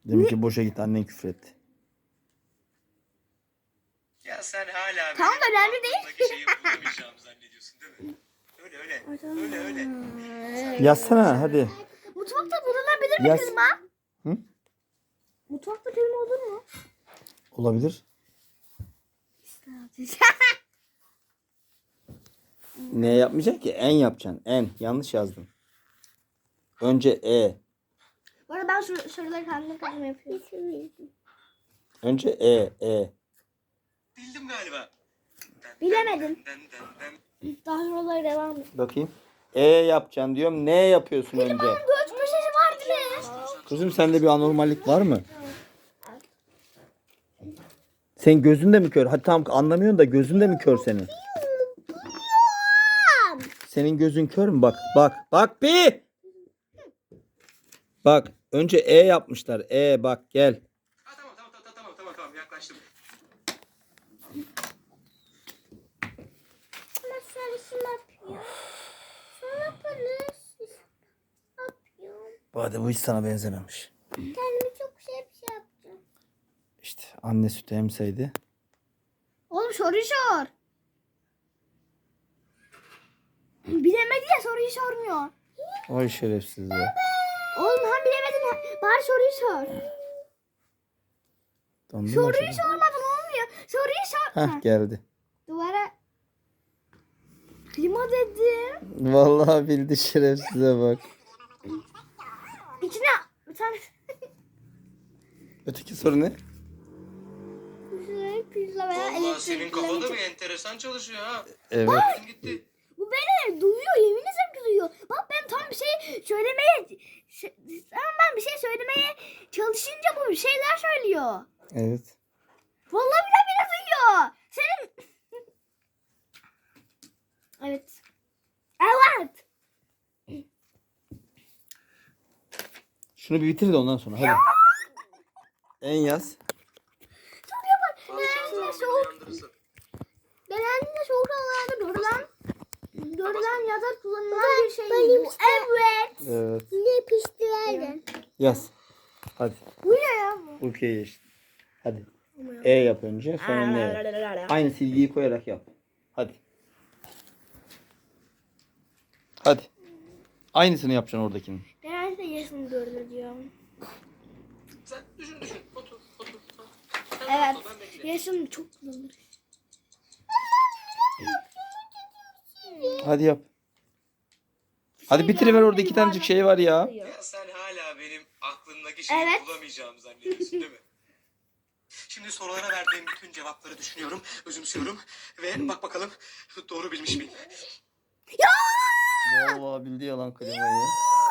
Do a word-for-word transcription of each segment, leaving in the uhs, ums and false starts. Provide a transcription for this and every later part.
Demek ki boşa gitti, annen küfür etti. Ya sen hala Tamam, benim önemli değil. aklımdaki şeyi bulamayacağımı zannediyorsun değil mi? Öyle öyle. Öyle öyle. Yazsana hadi. Mutfakta bulunabilir mi Yaz. klima? Hı? Mutfakta klima olur mu? Olabilir. Ne yapmayacak ki? En yapacaksın. En. Yanlış yazdım. Önce E. Bu arada ben sor- soruları kendim kendim yapıyorum. Önce E. E. Bildim galiba. Bilemedim. Den, den, den. Daha sorulara devam et. Bakayım. E yapacaksın diyorum. Ne yapıyorsun önce? Göç köşesi vardı ne? Kızım sende bir anormallik var mı? Sen gözün de mi kör? Hadi tamam anlamıyorsun da gözün de mi kör senin? Senin gözün kör mü? Bak bak bak bir. Bak önce E yapmışlar. E bak gel. Ha, tamam tamam tamam tamam tamam tamam yaklaştım. Ama sarısı ne yapıyor? Sana polis yapıyor. Bu arada bu hiç sana benzememiş. Kendimi çok şey bir şey yaptım. İşte anne sütü emseydi. Oğlum soruyu sor. Bilemedi ya soruyu sormuyor. Oy şerefsiz be. Oğlum hem bilemedin hem- bari soruyu sor. Dondun mu Soruyu acaba? sormadın olmuyor. Soruyu sor. Heh geldi. Duvara klima dedim. Vallahi bildi şerefsize bak. İçine bir tane Öteki soru ne? pizza veya Vallahi elektrik. senin kafada bir enteresan çalışıyor ha. Evet. Bak gitti. Bu beni duyuyor, yemin ederim ki duyuyor. Bak ben tam bir şey söylemeye şey, tamam ben bir şey söylemeye çalışınca bu bir şeyler söylüyor. Evet. Vallahi bile bile duyuyor. Senin Evet. Evet. Şunu bir bitir de ondan sonra hadi. En yaz. Genellikle soğuk, genellikle soğuk havalarda görülen görülen ya da kullanılan bir şey bu. Evet. Evet. Ne piştirelim. Yaz. Hadi. Bu ne ya? Ülkeye geçti. Hadi. E yap önce sonra ne yap. Aynı silgiyi koyarak yap. Hadi. Hadi. Aynısını yapacaksın oradakinin. Genellikle yaşını görülüyor. Sen düşün düşün. Otur otur. Sen Evet. otur, ben beklerim. Yaşım çok kullanılır. Hadi yap. Hadi bitiriver orada iki tanecik şey var ya. Ya sen hala benim aklımdaki şeyi Evet. bulamayacağımı zannediyorsun değil mi? Şimdi sorulara verdiğim bütün cevapları düşünüyorum, özümsüyorum ve bak bakalım doğru bilmiş miyim? Vallahi bildi yalan klimayı.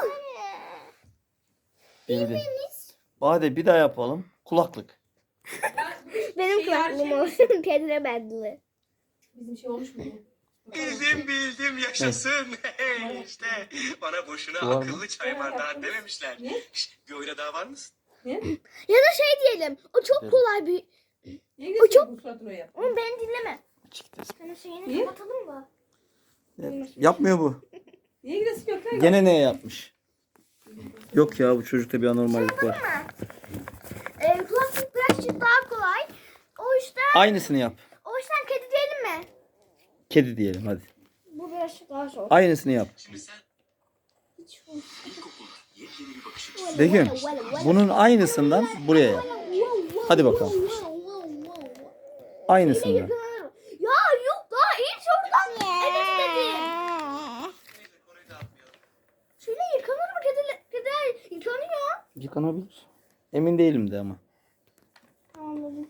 Bildi. Hadi bir daha yapalım. Kulaklık. Benim Şey, her kulaklığım şey olsun. Pedre bedli. Bizim şey olmuş mu? Bildim bildim yaşasın. işte bana boşuna Var mı? akıllı çay bardağı dememişler. Ne? Şş, bir oyuna daha var mısın? Ne? Ya da şey diyelim. O çok Evet. kolay bir... Niye O gidiyorsun çok- bu suratını yap? Oğlum beni dinleme. Çıktı. Sana şeyini Niye? kapatalım mı? Yapmıyor bu. Niye gidiyorsun Gökhan? Gene ne yapmış? Yok ya bu çocukta bir anormallik var. Ee, kulaklık birazcık daha kolay. O yüzden, Aynısını yap. o yüzden kedi diyelim mi? Kedi diyelim hadi. Bu birazcık daha zor. Aynısını yap. Şimdi sen Hiç ilkokulda yepyeni bir bakış açısı. Begüm bunun aynısından buraya yap. Hadi bakalım. Aynısından. Ya yok daha ilk sorudan evet dedi. Neyse konuyu dağıtmayalım. Şöyle yıkanır mı kediler? Kediler yıkanıyor. Yıkanabilir. Emin değilim de ama. Anladım.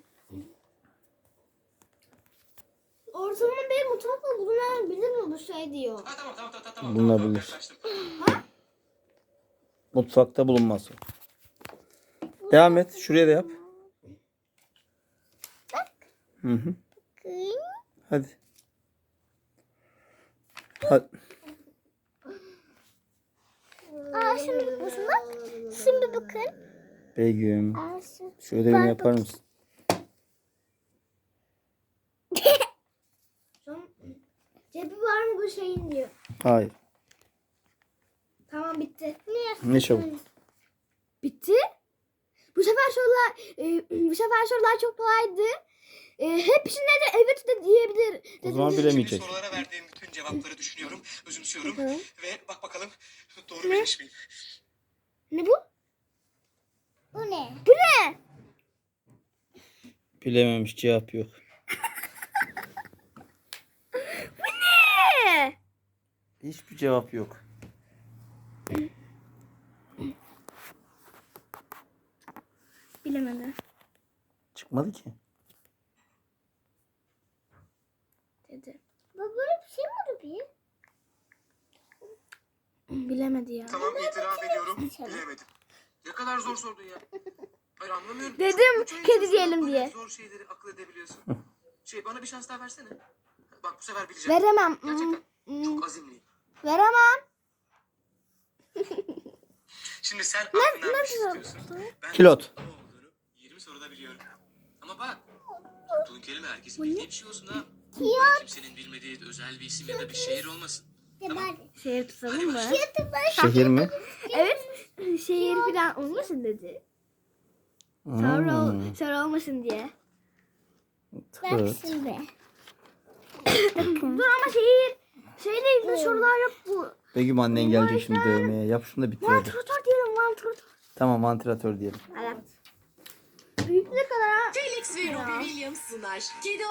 Ortalama bir mutfakla bulunabilir mi bu şey diyor. Ha, tamam tamam tamam tamam. Bulunabilir. Tamam, yaklaştım. Mutfakta bulunmaz o. Devam et. Şuraya da yap. Hı hı. Hadi. Hadi. Aa şimdi bakın bak. Şimdi bakın. Begüm. Aa, şimdi- Şu ödevini yapar mısın? Cebi var mı bu şeyin diyor. Hayır. Tamam bitti. Niye? Ne çabuk. Bitti. Bu sefer sorular e, bu sefer sorular çok kolaydı. E, hepsine de evet de diyebilir. O zaman dediniz. bilemeyecek. Şimdi sorulara verdiğim bütün cevapları düşünüyorum, özümsüyorum Hı. ve bak bakalım doğru bilmiş miyim? Ne bu? Bu ne? Bu ne? Bilememiş, cevap yok. Ne? Hiçbir cevap yok. Bilemedi. Çıkmadı ki. Dedi. Bu böyle bir şey mi oldu bir? Bilemedi ya. Tamam, itiraf ediyorum, bilemedim. Ne kadar zor sordun ya. Hayır, anlamıyorum. Dedim, Üç ay kedi içerisinde diyelim böyle diye. Zor şeyleri akıl edebiliyorsun. Şey, bana bir şans daha versene. Bak, bu sefer bileceğim. Veremem. Gerçekten Hmm, çok azimliyim. Veremem. Şimdi sen aklından bir şey nasıl? istiyorsun. Ben Kilot. ne olduğunu yirmi soruda biliyorum. Ama bak, tuttuğun kelime herkesin bildiği bir şey olsun ha. Böyle kimsenin bilmediği özel bir isim ya da bir şehir olmasın. Tamam. Şehir tutalım mı? Şehir mi? Evet. Şehir falan olmasın dedi. Soru, Hmm. soru olmasın diye. Evet. Şimdi. Dur ama şehir. Şehirle ilgili sorular yok bu. Begüm annen gelecek şimdi dövmeye. Yap şunu da bitir hadi. Vantilatör diyelim vantilatör. Tamam, vantilatör diyelim. Evet. Büyük ne kadar ha? Felix ve Robbie Williams sunar. Kedi